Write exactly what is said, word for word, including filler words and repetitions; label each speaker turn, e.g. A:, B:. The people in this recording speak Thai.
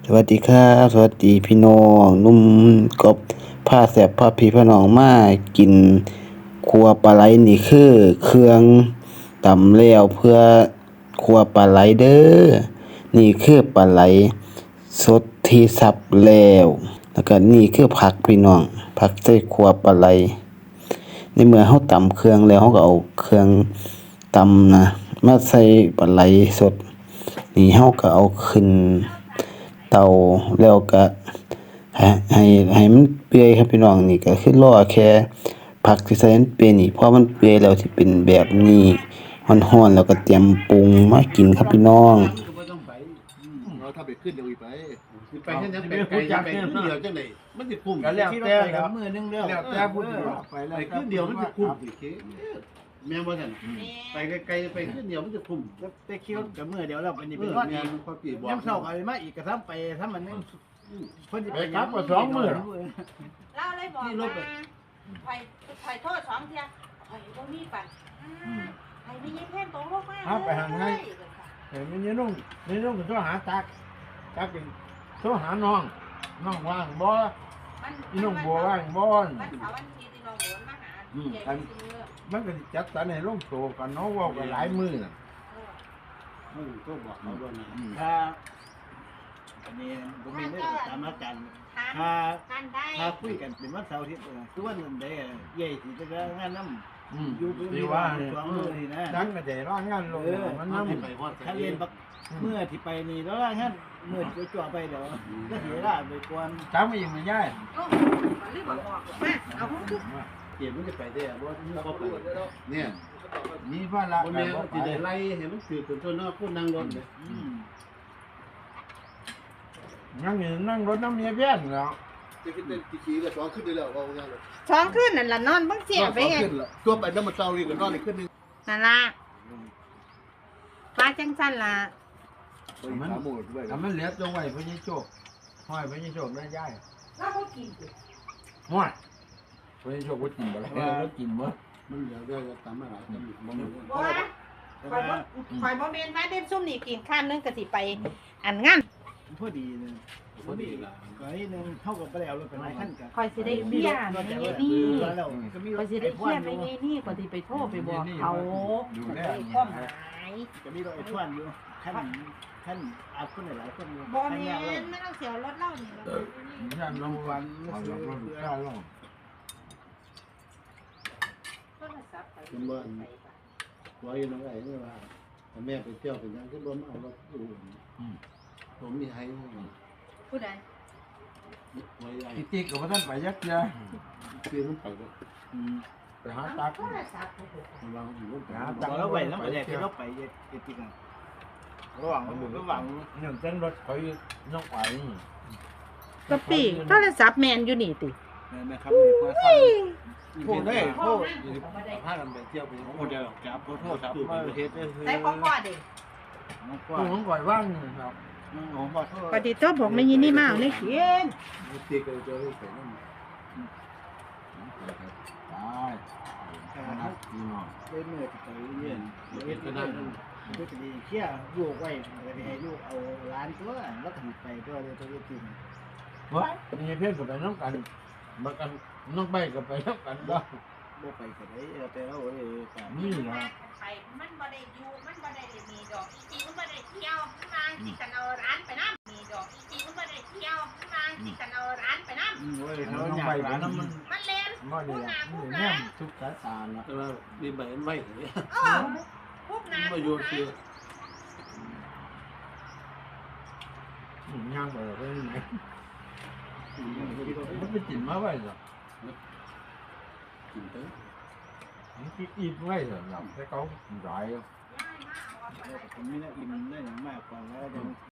A: สวัสดีครับสวัสดีพี่น้องหนุ่มกบพาแซ่บพาพี่พาน้องมากินคั่วปลาไหลนี่คือเครื่องตำแล้วเพื่อคั่วปลาไหลเด้อนี่คือปลาไหลสดที่สับแล้วแล้วก็นี่คือผักพี่น้องผักใส่คั่วปลาไหลในเมื่อเฮาตำเครื่องแล้วเฮาก็เอาเครื่องตำนะมาใส่ปลาไหลสดนี่เฮาก็เอาขึ้นเตาแล้วก็ให้ให้ให้มันเปื่อยครับพี่น้องนี่ก็คือรอแค่ผักที่ใส่มันเปื่อยนี่พอมันเปื่อยแล้วสิเป็นแบบนี้ร้อนๆแล้วก็เตรียมปรุงมากินครับพี่น้อง
B: ก็บ่ต้องไปเราถ้าไปขึ้นเดี๋ยวอีไปสิไปเฮ็ดหยังไปไกลจะไปขึ้นเดียวจังได๋มันสิคุ้ม
C: ก็แล้วแต่แล้วมื้อนึงแล้ว
B: แล้วแต่ผู้สิว่าไปแล้วขึ้นเดียวมันสิคุ้มสิเคแม่นบ่ซั่นไปไกลๆไปขึ้นเดียวมันจะคุ้ม
C: แต่คิดว่ากับมื้อเดียวแล้วอันนี้เป็น
B: เออ
C: วัน
B: แม่
C: อีก
B: นพอปีบอก
C: ยามเช้าก็มาอีกก็ทำไปทำมันนึงเพิ่นสิ
D: ไปกลับก็สองมื้อ
E: เล่าเลยบอกว่าไผ่ไผ่โทษสองเทียไผ่บ่มีปันไผ่ไม่ยิ้มแค่ตรงลงมา
D: เห็นมันนี่นุ่งนี่นุ่งก็โทรหาตักตักเป็นโทรหาน้องน้องว่างบ่อีน้องบัวว่างบ่
E: วันเสาร์วันอาทิตย์ที่น้องโดนมาหาใหญ่ซื้อ
D: มันก็สิจัดสรรให้ลงโตกันเนาะเว้ากันหลายมื้อน่ะ
B: อือก็บอกเขาด้วยนะ
C: ถ้าอันนี้บ่มีเรื่องตามอาจารย์
E: ถาม
C: ถ้า
E: กันได้
C: ถ้าคุยกันเป็นวันเสาร์อาทิตย์คือวันนั้นได้ใหญ่สิจะงานนำ
D: อืม
C: อยู่เป็น
D: สิว่า
C: สองมื้อนี่นะ
D: ดังก็ได้ร้างงานลงมัน
B: มัน
D: นำ
B: สิไปฮอด
C: ถ้าเรียนบักเมื่อที่ไปนี่แล้วงั้นมื้อจ่อๆไปเดี๋ยวก็เสียเวลาไปกวน
D: จักมาอีกมันยาย
E: โอ้ลืมบอกมาเอาของทุก
B: เกียรติมันจะไปได้บ่บ่ไปเนี่ย
D: มีภาระ
B: บ่
D: ก็
B: แม่น
D: บ่
B: สิ
D: ไป
B: ได้ไล่ให้มันคือเป็นต้นเนาะผู้นั่งรถเนี่ย
C: อืม
D: นั่งอยู่นั่งรถน้ำเมียเพี้ยนเนาะ
B: จะขึ้นได้กี่ขี่ก็สองขึ้นได้แล้วว่าอย่างนั้น
E: สองคืนนั่นล่ะนอนบังเสียไป
B: สอง
E: เฮ็ด
B: ขึ้นละตัวไปน้ำมันเศร้าอีกก็นอนอีกขึ้นนึง
E: นั่นล่ะฟ้าจังซั่นล่ะ
B: มันขาหมูด้วย
D: ถ้ามันเหลือจงไว้เพิ่นสิโชคห้อยเพิ่นสิโชคได้ยาย
E: เราบ่กิน
D: ห้อยเพิ่นสิโชคบ่กินบ่ล่ะแล้วกินบ่
B: มันเหลือด้วยก็ตามมาหลายตามบ่มี
E: บ่ว่าข่อยบ่ข่อยบ่แม่นว่าเด่นซุ่มนี่กินข้ามนึงก็สิไปอันงาน
C: พอดีเลย
B: พอดีล่ะ
C: ก็ให้นึงเท่ากับไปแล้วรถเป็นไรขั้นกัน
E: ข่อยสิได้เบี้ยไม่ไงนี่
C: แล้วก็มีร
E: ข่อย
C: ถ
E: สิได้เบี้ยไม่ไงนี่ข่อยสิไปโทรไปบอกเขาข่อยได้ความหมาย
C: ก็มีรถไอ้ทวนอยู่ขั้นขั้นอาบคนหลายคนอยู่
E: บ่
C: ขั้น
E: แม่
C: ยาวเลย
E: นไม่ต้องเสียรถเล่านี่แล้ว
D: ย่านลงวันเอาลงรถข้าวลง
E: โทรศัพท์ไป
B: เป็นบ่อันไว้น้องไอ้นี่ว่าแม่ไปเที่ยวเป็นยังคือบ่มาเอารถอยู่ผมมีให้
E: ผู้ใด
B: ไว้ไอ้
D: ติ๊กๆก็บ่ทันไปยักเทื่อ
B: คือมันไปก็
D: ไปหาตัก
E: โทรศัพท์ผู้ใด
B: ระวังอยู่รถ
D: หา
C: แต่
D: ตัก
C: เราไปแล้วไปแยกเราไปแยกติดกันระหว่างระหว่าง
D: เนี่ยเส้นรถเขาน้องไป
E: กะปิโทรศัพท์แม่นอยู่นี่ติ
C: นะครับมีคนเข้า
B: โทษได้
E: โท
B: โท
E: ร
B: ษพากันไปเที่ยวไปโอ้เดี๋ยวจับโทษจับไปประเทศได้
E: ใส่ของพ่อดิ
C: น้องก
D: ผู้
C: ว่า
D: ของก่อยว่างครับ
C: น้องขอโทษ
E: ปฏิโทษบอกไม่ยินนี่มาเอาในเขียน
B: ตีกันเจอไปนั่น
D: ตาย
C: ครับ
D: พี่น้อง
C: ได้เมื่อที่ไปเรียนเรียนก็ได้ก็จะดีเชี่ยลูกไว้ก็ได้ให้ลูกเอาร้านตัวแล้วก็ไปก็เลยตัวจริง
D: เฮ้ยมีเพื่อนก็ไปน้องกันมากันน้องใบก็ไปน้องกันบ้าง
C: บ่ไปก็ได้แต่เราเออแต่
D: นี่นะ
E: ไปมันบ่ได้อยู่มันบ่ได้มีดอกจริงมันบ่ได้เที่ยวมันมาสิกันเอาร้านไปนำมีดอกจริงมันบ่ได้เที่ยวมันมาสิกันเอาร้านไปนำ
C: โอ้ย
D: น้
C: เขา
D: อง
C: อยา
D: ใบ
C: ก
D: ก็
C: ร้าน
D: น้ำ
C: มั
D: มัน
C: น
E: มันเล่น
D: บ่ดีละมันแง่ทุกสายตาละ
B: แต่ว่าดีใบมันไว้เลย
E: เออพวกน้ำ
B: มาโยนคือ
D: ย่างไปเลยไหนมันไปกินมาไว้หรอ
B: กินไป
D: มันกินอีกไว้หรอแต่เขาหลาย
C: ผมนี่นะอิ่มได้อย่างมากกว่าแล้ว